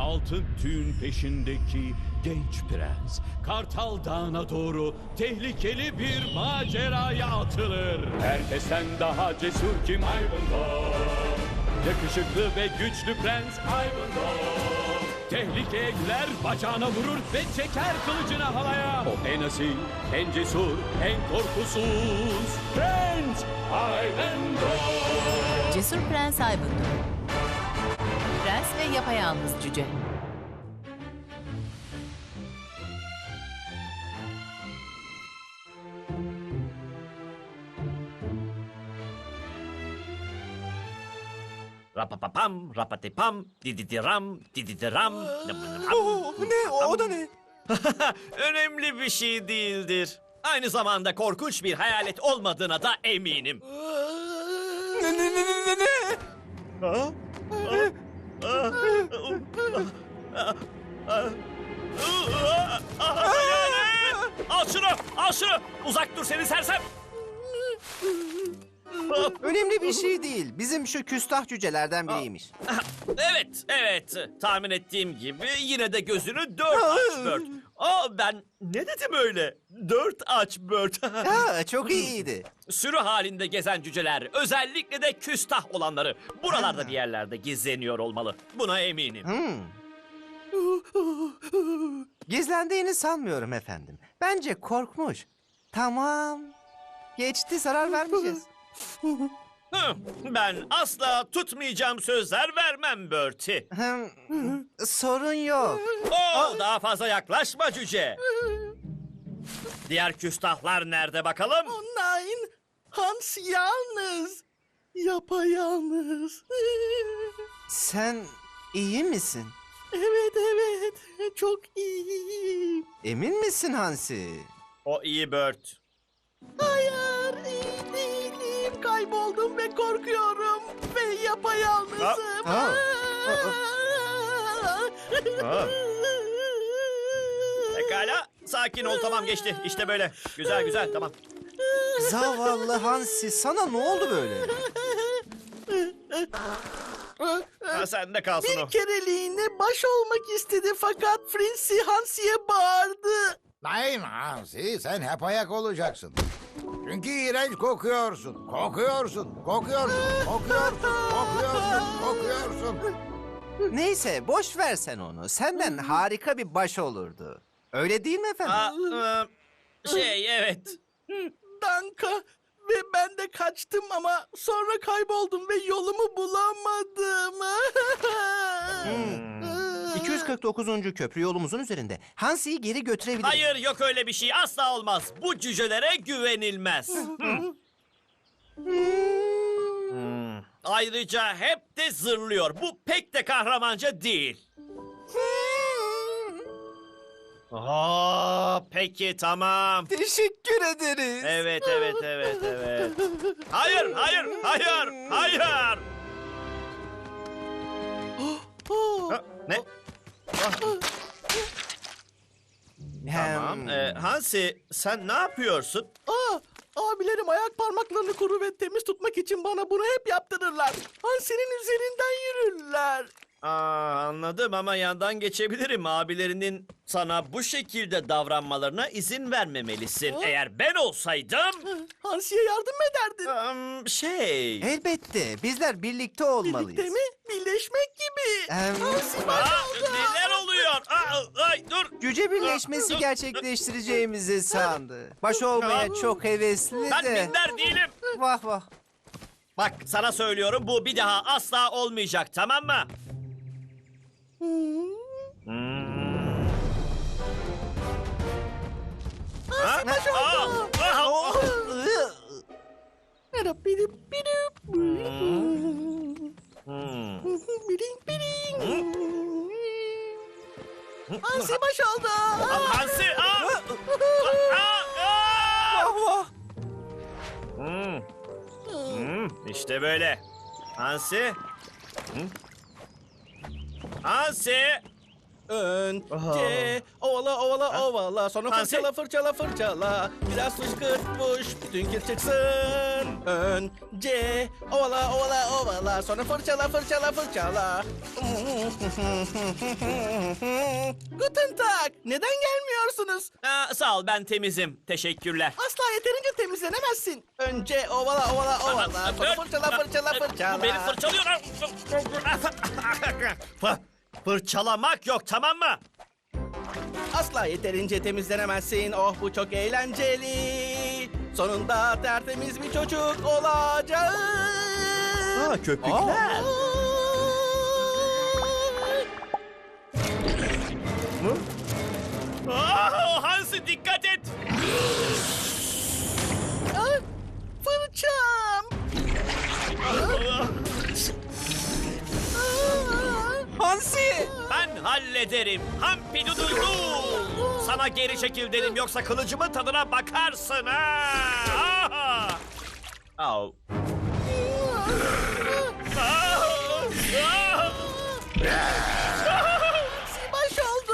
altın tüyün peşindeki genç prens Kartal Dağı'na doğru tehlikeli bir maceraya atılır. Herkesten daha cesur kim? Ivanhoe. Yakışıklı ve güçlü prens Ivanhoe. Tehlikeye girer, bacağına vurur ve çeker kılıcını havaya. O en asil, en cesur, en korkusuz Prens Ivanhoe. Cesur Prens Ivanhoe. Prens ve yapayalnız cüce. Rapapapam, rapatipam, dididiram, dididiram. Ne o da ne? Önemli bir şey değildir. Aynı zamanda korkunç bir hayalet olmadığına da eminim. Ne? Al şunu, al şunu. Uzak dur seni sersem. Önemli bir şey değil. Bizim şu küstah cücelerden biriymiş. Evet. Tahmin ettiğim gibi yine de gözünü dört aç Bört. Ben ne dedim öyle? Dört aç Bört. Ha, çok iyiydi. Sürü halinde gezen cüceler, özellikle de küstah olanları buralarda bir yerlerde gizleniyor olmalı. Buna eminim. Gizlendiğini sanmıyorum efendim. Bence korkmuş. Tamam. Geçti, zarar vermeyeceğiz. Ben asla tutmayacağım sözler vermem Bertie. Sorun yok. Daha fazla yaklaşma cüce. Diğer küstahlar nerede bakalım? Nein, Hans yalnız. Yapayalnız. Sen iyi misin? Evet, çok iyiyim. Emin misin Hansi? O iyi Bert. Hayır, iyi değilim. Kayboldum ve korkuyorum. Ve yapayalnızım. Pekala, sakin ol, tamam, geçti. İşte böyle. Güzel, tamam. Zavallı Hansi, sana ne oldu böyle? Sen de kalsın o. Bir kereliğine baş olmak istedi fakat Frenzy Hansi'ye bağırdı. Nein Hansi, sen hep ayak olacaksın. Çünkü iğrenç kokuyorsun. Kokuyorsun. Neyse, boş ver sen onu. Senden harika bir baş olurdu. Öyle değil mi efendim? Evet. Danka ve ben de kaçtım ama sonra kayboldum ve yolumu bulamadım. 249. köprü yolumuzun üzerinde. Hansi'yi geri götürebiliriz. Hayır, yok öyle bir şey. Asla olmaz. Bu cücelere güvenilmez. Ayrıca hep de zırlıyor. Bu pek de kahramanca değil. Peki, tamam. Teşekkür ederiz. Evet. Hayır. Ne? Tamam. Hansi, sen ne yapıyorsun? Abilerim ayak parmaklarını kuru ve temiz tutmak için bana bunu hep yaptırırlar. Hansi'nin üzerinden yürürler. Anladım ama yandan geçebilirim. Abilerinin sana bu şekilde davranmalarına izin vermemelisin. Eğer ben olsaydım... Hansi'ye yardım mı ederdin? Elbette. Bizler birlikte olmalıyız. Birlikte mi? Birleşmek gibi. Hansi baş oldu. Neler oluyor? Ay, dur. Cüce birleşmesi gerçekleştireceğimizi sandı. Baş olmaya çok hevesli Ben de. minder değilim. Vah. Bak, sana söylüyorum, bu bir daha asla olmayacak, tamam mı? Hansi baş oldu. Bidip bidip. Biring biring. Hansi baş oldu. Hansi! İşte böyle. Hansi! Hansi! Önce ovala sonra Hansi? fırçala. Biraz fışkırtmış bütün kir çıksın. Önce ovala ovala ovala, sonra fırçala fırçala fırçala. Guten Tag. Neden gelmiyorsunuz? Sağ ol, ben temizim. Teşekkürler. Asla yeterince temizlenemezsin. Önce ovala ovala ovala, sonra fırçala fırçala fırçala. Beni fırçalıyor. Fırçalamak yok, tamam mı? Asla yeterince temizlenemezsin. Oh, bu çok eğlenceli. Sonunda tertemiz bir çocuk olacağız. Köpükler. Hansi, dikkat et. Fırçam. Hansi! Ben hallederim. Hampidududu. Sana geri çekil dedim, yoksa kılıcımın tadına bakarsın ha. Aha! Au. Baş oldu.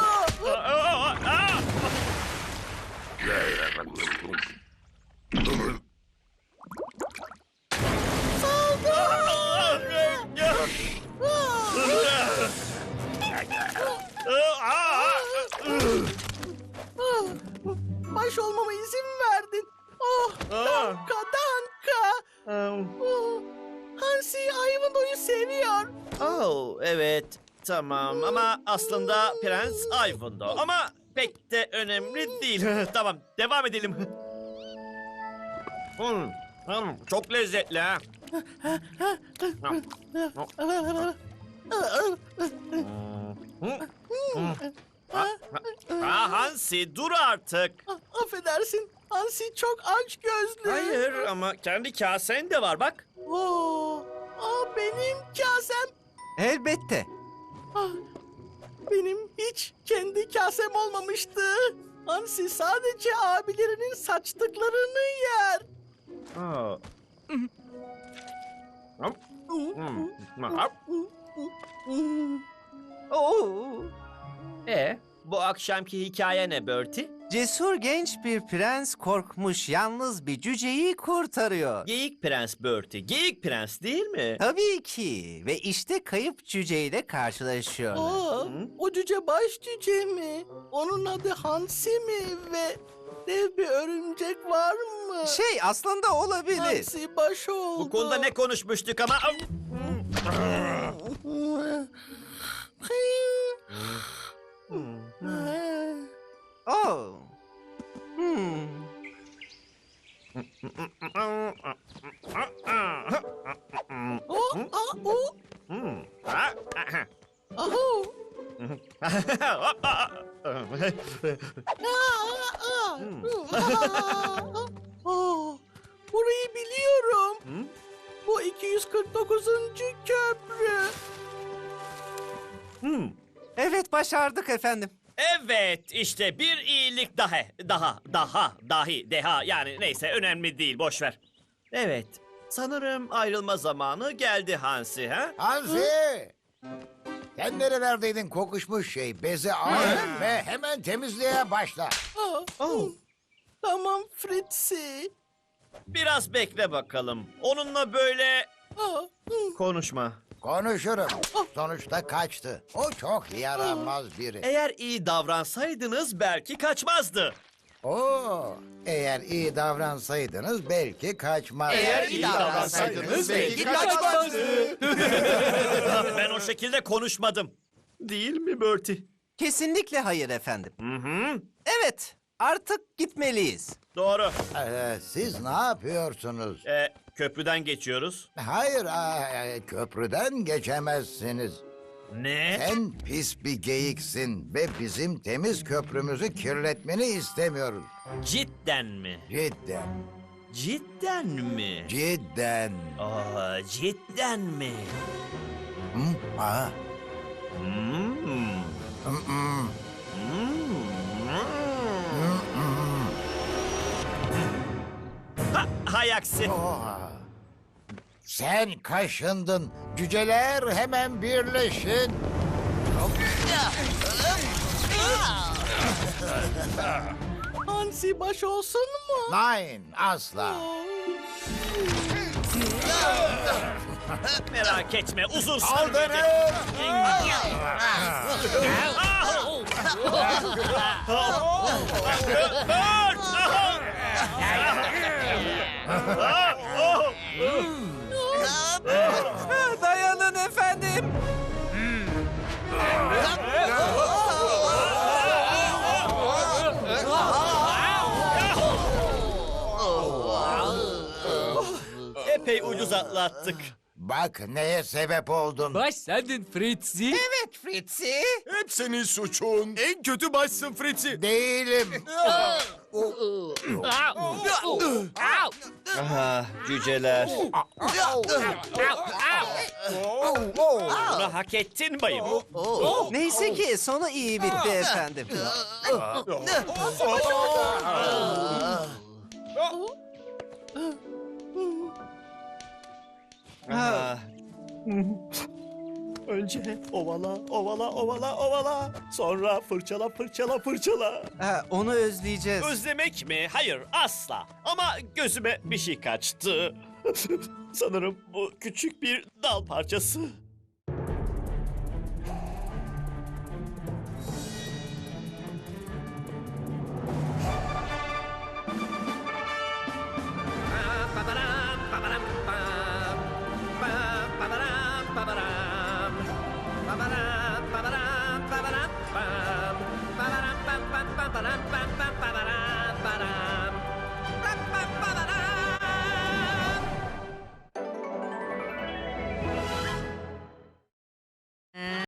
Baş olmama izin verdin. Oh, danka danka. Oh, Hansi Ivanhoe'yu seviyor. Oh, evet. Tamam ama aslında Prens Ivanhoe. Ama pek de önemli değil. Tamam, devam edelim. Çok lezzetli ha. Hansi, dur artık. Affedersin. Hansi çok aç gözlü. Hayır ama kendi kasen de var bak. Benim kasem. Elbette. Benim hiç kendi kasem olmamıştı. Hansi sadece abilerinin saçtıklarını yer. Oo. Bu akşamki hikaye ne Bertie? Cesur genç bir prens korkmuş yalnız bir cüceyi kurtarıyor. Geyik Prens Bertie. Geyik Prens değil mi? Tabii ki. Ve işte kayıp cüceyle karşılaşıyorlar. O cüce baş cüce mi? Onun adı Hansi mi? Ve dev bir örümcek var mı? Aslında olabilir. Hansi baş oldu. Bu konuda ne konuşmuştuk ama... Oh. Burayı biliyorum. Bu 249. köprü. Evet, başardık efendim. Evet, işte bir iyilik dahi, yani neyse, önemli değil, boş ver. Evet, sanırım ayrılma zamanı geldi Hansi, ha? Hansi! Sen nerelerdeydin kokuşmuş şey? Bezi al ve hemen temizliğe başla. Tamam Fritzi. Biraz bekle bakalım. Onunla böyle konuşma. Konuşurum. Sonuçta kaçtı. O çok yaramaz biri. Eğer iyi davransaydınız belki kaçmazdı. Eğer iyi davransaydınız belki kaçmaz. Ben o şekilde konuşmadım. Değil mi Bertie? Kesinlikle hayır efendim. Evet, artık gitmeliyiz. Doğru. Siz ne yapıyorsunuz? Köprüden geçiyoruz. Hayır, köprüden geçemezsiniz. Ne? Sen pis bir geyiksin ve bizim temiz köprümüzü kirletmeni istemiyoruz. Cidden mi? Cidden, Cidden mi? cidden. Cidden mi? Hmm. Hay aksi. Sen kaşındın. Cüceler hemen birleşin. Hansi baş olsun mu? Nein, asla. Merak etme, uzun Saldırın! Dayanın efendim. Epey ucuz atlattık. Bak neye sebep oldun. Baş sendin Fritzi. Evet Fritzi. Hep senin suçun. En kötü başsın Fritzi. Değilim. Aha, cüceler. Bunu hak ettin bayım. Neyse ki sonu iyi bitti efendim. Ah. Önce ovala, ovala, ovala, ovala. Sonra fırçala, fırçala, fırçala. Onu özleyeceğiz. Özlemek mi? Hayır, asla. Ama gözüme bir şey kaçtı. Sanırım bu küçük bir dal parçası.